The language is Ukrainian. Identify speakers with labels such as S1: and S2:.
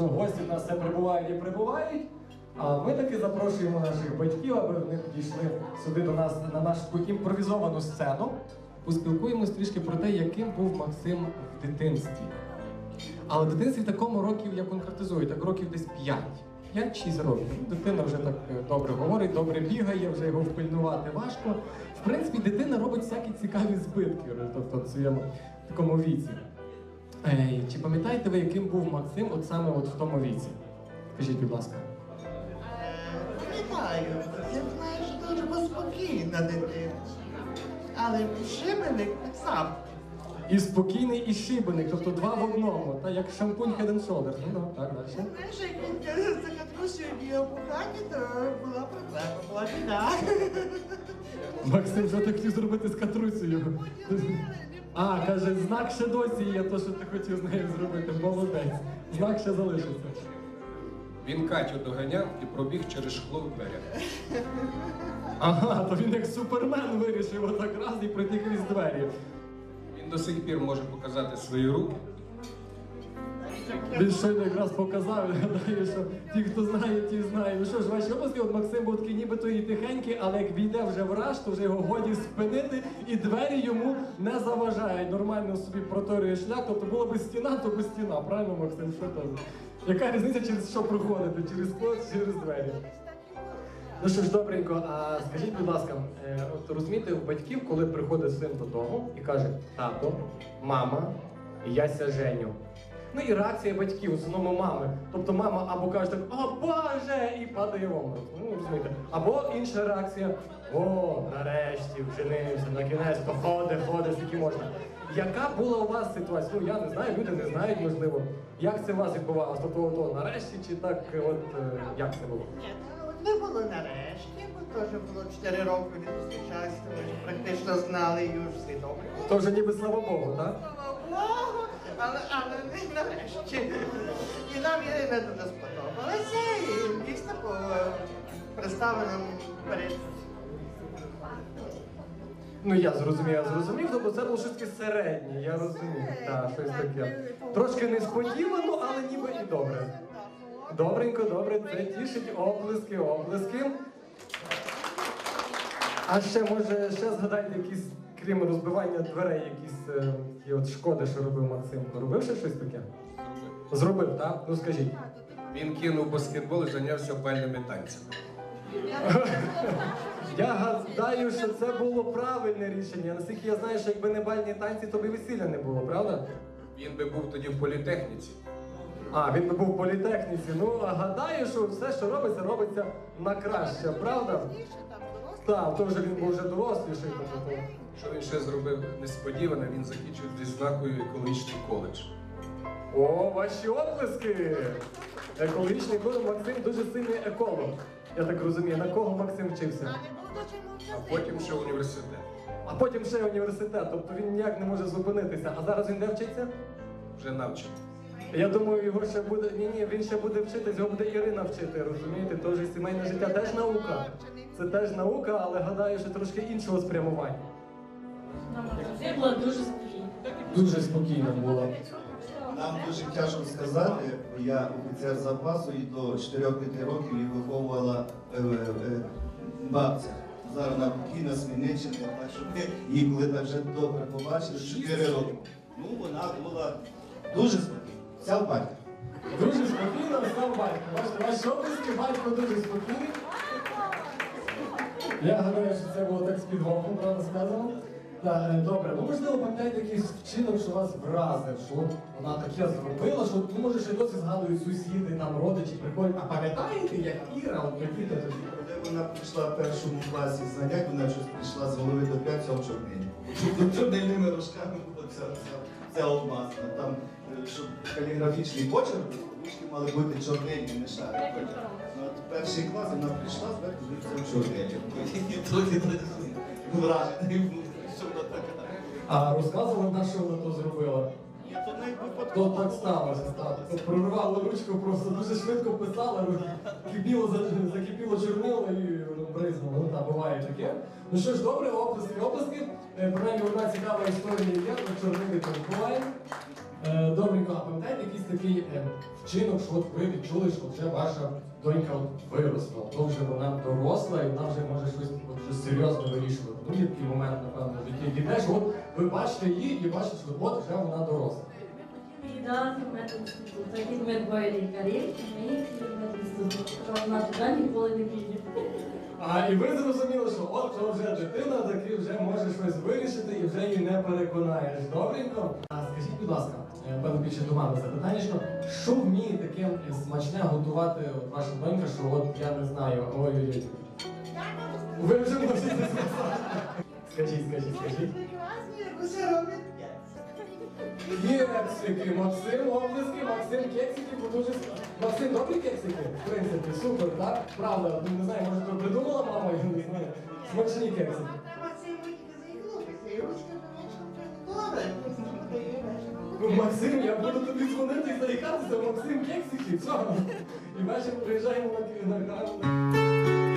S1: що гості в нас все прибувають і прибувають. А ми таки запрошуємо наших батьків, аби вони підійшли сюди до нас на нашу імпровізовану сцену. Поспілкуємось трішки про те, яким був Максим в дитинстві. Але в дитинстві такому років, я конкретизую, так років десь 5. 5-6 років. Дитина вже так добре говорить, добре бігає, вже його впильнувати важко. В принципі, дитина робить всякі цікаві збитки, тобто в своєму такому віці. Чи пам'ятаєте ви, яким був Максим от саме от в тому віці? Скажіть, будь ласка.
S2: Пам'ятаю, я знаю, що дуже був спокійна дитина. Але шибеник сам.
S1: І спокійний, і шибеник, тобто два в одному, та як шампунь Head and Shoulders. Ну, так, далі.
S2: Знаєш, як він за катрусю бігав по хаті, то була проблема, була біда.
S1: Максим вже так хотів зробити з Катрусею. А, каже, знак ще досі є, то, що ти хотів з нею зробити. Молодець. Знак ще залишиться.
S3: Він Катю доганяв і пробіг через шкло в дверях.
S1: Ага, то він як Супермен вирішив отак раз і пройти крізь двері.
S3: Він до сих пір може показати свої руки.
S1: Він щойно якраз показав, я гадаю, що ті, хто знає, ті знають. Ну що ж, ваші обласки, от Максим був такий нібито і тихенький, але як війде вже в раж, то вже його годі спинити, і двері йому не заважають. Нормально собі проторює шлях, тобто була би стіна, то би стіна. Правильно, Максим? Що там? Яка різниця, через що проходити? Через скло чи через двері? Ну що ж, добренько, а скажіть, будь ласка, от розумієте, у батьків, коли приходить син додому і каже: тато, мама, я ся женю. Ну і реакція батьків, в основному мами. Тобто мама або каже так: о Боже! І падає в обморок. Ну, розумієте. Або інша реакція: о, нарешті, вженився, на кінець, то ходи, скільки можна. Яка була у вас ситуація? Ну я не знаю, люди не знають, можливо. Як це у вас відбувалося? Тобто, ото нарешті чи так, от, як це було?
S2: Ні, не було нарешті, бо теж було 4 роки не зустрічалися, ми ж практично знали її вже всі добре.
S1: То вже ніби слава Богу, так?
S2: Слава Богу, але не нарешті. І нам Ірина дуже сподобалася, і дійсно по представленому перед.
S1: Ну я зрозумів, тобто це було щось таке середнє, я розумію. Так, щось таке. Трошки несподівано, але ніби і добре. Добренько, добре, це тішить, оплески. А ще, може, згадайте якісь, крім розбивання дверей, якісь от шкоди, що робив Максим. Робив ще щось таке? Зробив, так? Ну скажіть.
S3: Він кинув баскетбол і зайнявся бальними танцями.
S1: Я гадаю, що це було правильне рішення. Наскільки я знаю, що якби не бальні танці, то б і весілля не було, правда?
S3: Він би був тоді в політехніці.
S1: А, він би був в політехніці. Ну, гадаю, що все, що робиться на краще, правда? Так, то вже він був вже доросліший.
S3: Що він ще зробив несподівано, він закінчив з відзнакою екологічний коледж.
S1: О, ваші оплески! Екологічний коледж, Максим дуже сильний еколог. Я так розумію, на кого Максим вчився?
S3: А потім ще університет.
S1: А потім ще університет, тобто він ніяк не може зупинитися. А зараз він де вчиться?
S3: Вже навчений.
S1: Я думаю, його ще буде. Ні, він ще буде вчитись, його буде Ірина вчити, розумієте? Тож і сімейне життя теж наука. Це теж наука, але гадаю, що трошки іншого спрямування.
S4: Це було дуже спокійно.
S1: Дуже спокійно було.
S5: Нам дуже тяжко сказати, бо я офіцер запасу і до 4-5 років її виховувала бабця. Зараз вона покійна з Хмельниччини, так що ми її коли так вже добре побачили, 4 роки. Ну вона була дуже спокійна. Вся в батька.
S1: Дуже спокійно став батько. Бачите, ваші обласки, батько дуже спокійний. Я гадаю, що це було так з підгоном, правда сказано. Так, добре, ви можливо пам'ятаєте якийсь вчинок, що вас вразив, що от вона таке зробила, що ну, може ще досі згадують сусіди, там родичі приходять. А пам'ятаєте, як Іра, от прикиньте тоді?
S5: Коли вона прийшла в першому класі занять, вона щось прийшла з голови до п'ять цього чорнилі. Чорнильними рожками була ця обмазана. Там, щоб каліграфічний почерк, ручки мали бути чорнильні, не шари. Ну, от перший клас вона прийшла, зверху в чорнилі. Вражений був, що вона така.
S1: А розказувала вона, що вона то зробила?
S5: Ні, то не
S1: То
S5: випадково.
S1: так сталося, так. Прорвала ручку, просто дуже швидко писала, закипіло чорнило і воно бризнуло. Ну так, буває таке. Ну що ж, добре, оплески. Принаймні одна цікава історія є, про чорнилі тут буває. Добренько, а пам'ятаєте якийсь такий вчинок, що от ви відчули, що вже ваша донька от виросла, то вже вона доросла і вона вже може щось серйозно вирішувати. Ну, є такий момент, напевно, в житті дітей, що от ви бачите її і бачите, що от вже вона доросла.
S4: І да, медінститут. Так як ми двоє лікарів, ми медінститут. Що вона туди ніколи не піде.
S1: А і ви зрозуміли, що от то вже дитина таки вже може щось вирішити і вже її не переконаєш. Добренько? А скажіть, будь ласка, певно більше до мами запитання, що вміє таке смачне готувати от ваша донька, що от я не знаю, ой-ой-ой. Ви вже можете сказати. Скажіть.
S2: Прекрасні, як усе робить.
S1: Кексики, Максим, облиски, Максим, кексики, бо дуже... Максим, добрі кексики? В принципі, супер, так? Правда, не знаю, може то придумала мама, я не знаю. Смачні кексики.
S2: Максим витіки заїхнувся, і ручка добре.
S1: Ну, Максим, я буду тобі дзвонити і заїхатися, Максим, кексики, все. І ввечері приїжджаємо на